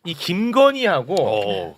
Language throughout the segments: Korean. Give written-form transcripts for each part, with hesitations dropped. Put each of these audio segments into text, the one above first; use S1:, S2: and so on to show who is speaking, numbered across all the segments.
S1: 이 김건희하고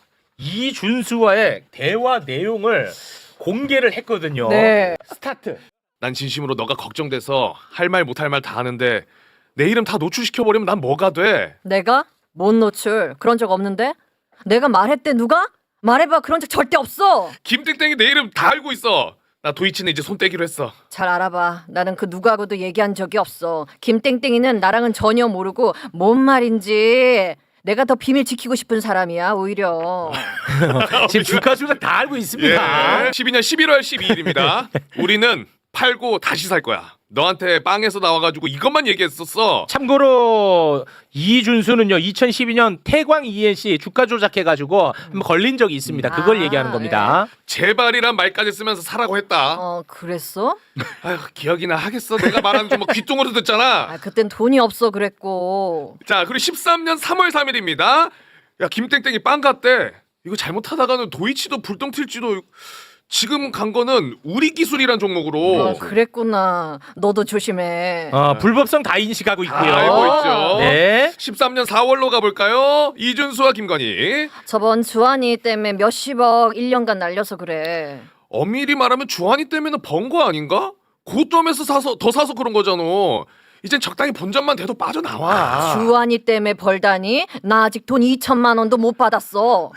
S1: 이준수와의 대화 내용을 공개를 했거든요.
S2: 네.
S1: 스타트.
S3: 난 진심으로 너가 걱정돼서 할 말 못할 말 다 하는데 내 이름 다 노출시켜버리면 난 뭐가 돼?
S2: 내가? 뭔 노출? 그런 적 없는데? 내가 말했대 누가? 말해봐. 그런 적 절대 없어.
S3: 김땡땡이 내 이름 다 알고 있어. 나 도이치는 이제 손 떼기로 했어.
S2: 잘 알아봐. 나는 그 누구하고도 얘기한 적이 없어. 김땡땡이는 나랑은 전혀 모르고 뭔 말인지 내가 더 비밀 지키고 싶은 사람이야 오히려.
S1: 지금 주가 조작 다 알고 있습니다.
S3: 예. 12년 11월 12일입니다. 우리는 팔고 다시 살 거야. 너한테 빵에서 나와가지고 이것만 얘기했었어.
S1: 참고로 이준수는요 2012년 태광 ENC 주가 조작해가지고 한번 걸린 적이 있습니다. 그걸
S2: 아,
S1: 얘기하는 겁니다.
S3: 제발이란 말까지 쓰면서 사라고 했다.
S2: 그랬어?
S3: 아휴 기억이나 하겠어. 내가 말하는 거 뭐 귀뚱으로 듣잖아.
S2: 아 그땐 돈이 없어 그랬고.
S3: 자 그리고 13년 3월 3일입니다. 야 김땡땡이 빵 갔대. 이거 잘못하다가는 도이치도 불똥 튈지도. 지금 간 거는 우리 기술이란 종목으로.
S2: 그랬구나. 너도 조심해.
S1: 불법성 다 인식하고 있고요.
S3: 알고 있죠.
S1: 네.
S3: 13년 4월로 가볼까요? 이준수와 김건희.
S2: 저번 주한이 때문에 몇십억 1년간 날려서 그래.
S3: 엄밀히 말하면 주한이 때문에 번 거 아닌가? 고점에서 더 사서 그런 거잖아. 이젠 적당히 본전만 돼도 빠져나와.
S2: 주한이 때문에 벌다니? 나 아직 돈 2천만 원도 못 받았어.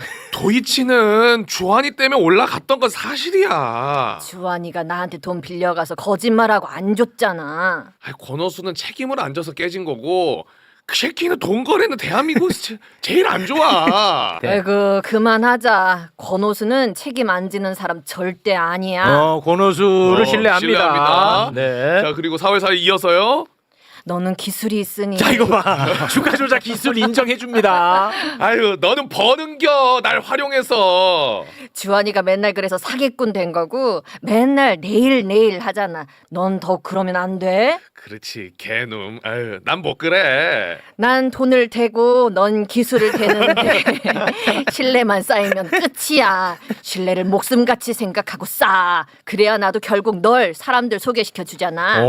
S3: 도이치는 주한이 때문에 올라갔던 건 사실이야.
S2: 주한이가 나한테 돈 빌려가서 거짓말하고 안 줬잖아.
S3: 아이, 권호수는 책임을 안 져서 깨진 거고 그 새끼는 돈 거래는 대한민국에서 제일 안 좋아.
S1: 네.
S2: 에그 그만하자. 권호수는 책임 안 지는 사람 절대 아니야.
S1: 권호수를 신뢰합니다.
S3: 신뢰합니다.
S1: 네.
S3: 자 그리고 4월 4일 이어서요.
S2: 너는 기술이 있으니.
S1: 자 이거 봐. 주가 조작 기술 인정해 줍니다.
S3: 아유 너는 버는겨 날 활용해서.
S2: 주한이가 맨날 그래서 사기꾼 된 거고 맨날 내일 하잖아. 넌 더 그러면 안 돼?
S3: 그렇지 개놈. 아유 난 못 그래.
S2: 난 돈을 대고 넌 기술을 대는데 신뢰만 쌓이면 끝이야. 신뢰를 목숨같이 생각하고 쌓아. 그래야 나도 결국 널 사람들 소개시켜 주잖아.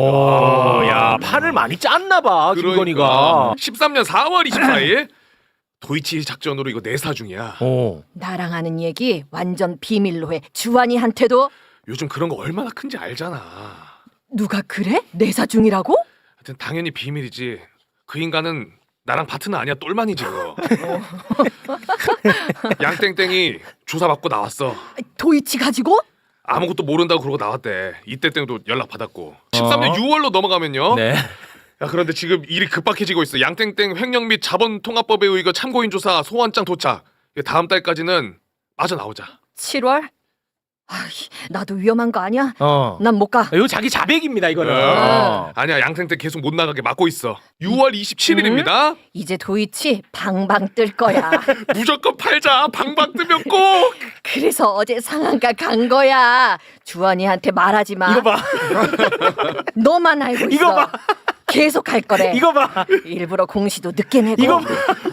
S1: 야 판을 많이 짰나 봐 김건희가.
S3: 13년 4월 24일 도이치 작전으로 이거 내사 중이야.
S2: 나랑 하는 얘기 완전 비밀로 해. 주한이한테도.
S3: 요즘 그런 거 얼마나 큰지 알잖아.
S2: 누가 그래? 내사 중이라고?
S3: 하여튼 당연히 비밀이지. 그 인간은 나랑 파트너 아니야. 똘만이지 그거. 양땡땡이 조사받고 나왔어.
S2: 도이치 가지고?
S3: 아무것도 모른다고 그러고 나왔대. 이때 땡도 연락 받았고. 13년 6월로 넘어가면요.
S1: 네.
S3: 야 그런데 지금 일이 급박해지고 있어. 양땡땡 횡령 및 자본통합법에 의거 참고인 조사 소환장 도착. 다음 달까지는 빠져나오자.
S2: 7월? 아이, 나도 위험한 거 아니야?
S1: 어.
S2: 난 못 가.
S1: 이거 자기 자백입니다 이거는.
S3: 아니야 양땡땡 계속 못 나가게 막고 있어. 6월 27일입니다.
S2: 이제 도이치 방방 뜰 거야.
S3: 무조건 팔자. 방방 뜨면 꼭.
S2: 그래서 어제 상한가 간 거야. 주한이한테 말하지 마.
S1: 이거 봐.
S2: 너만 알고 있어.
S1: 이거 봐.
S2: 계속 갈 거래.
S1: 이거 봐.
S2: 일부러 공시도 늦게 내고.
S1: 이거 봐.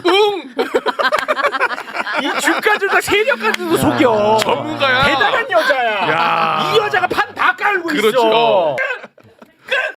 S1: 이 주가 조작 세력까지도 속여.
S3: 전문가야.
S1: 대단한 여자야.
S3: 야.
S1: 이 여자가 판 다 깔고
S3: 그렇죠.
S1: 있어.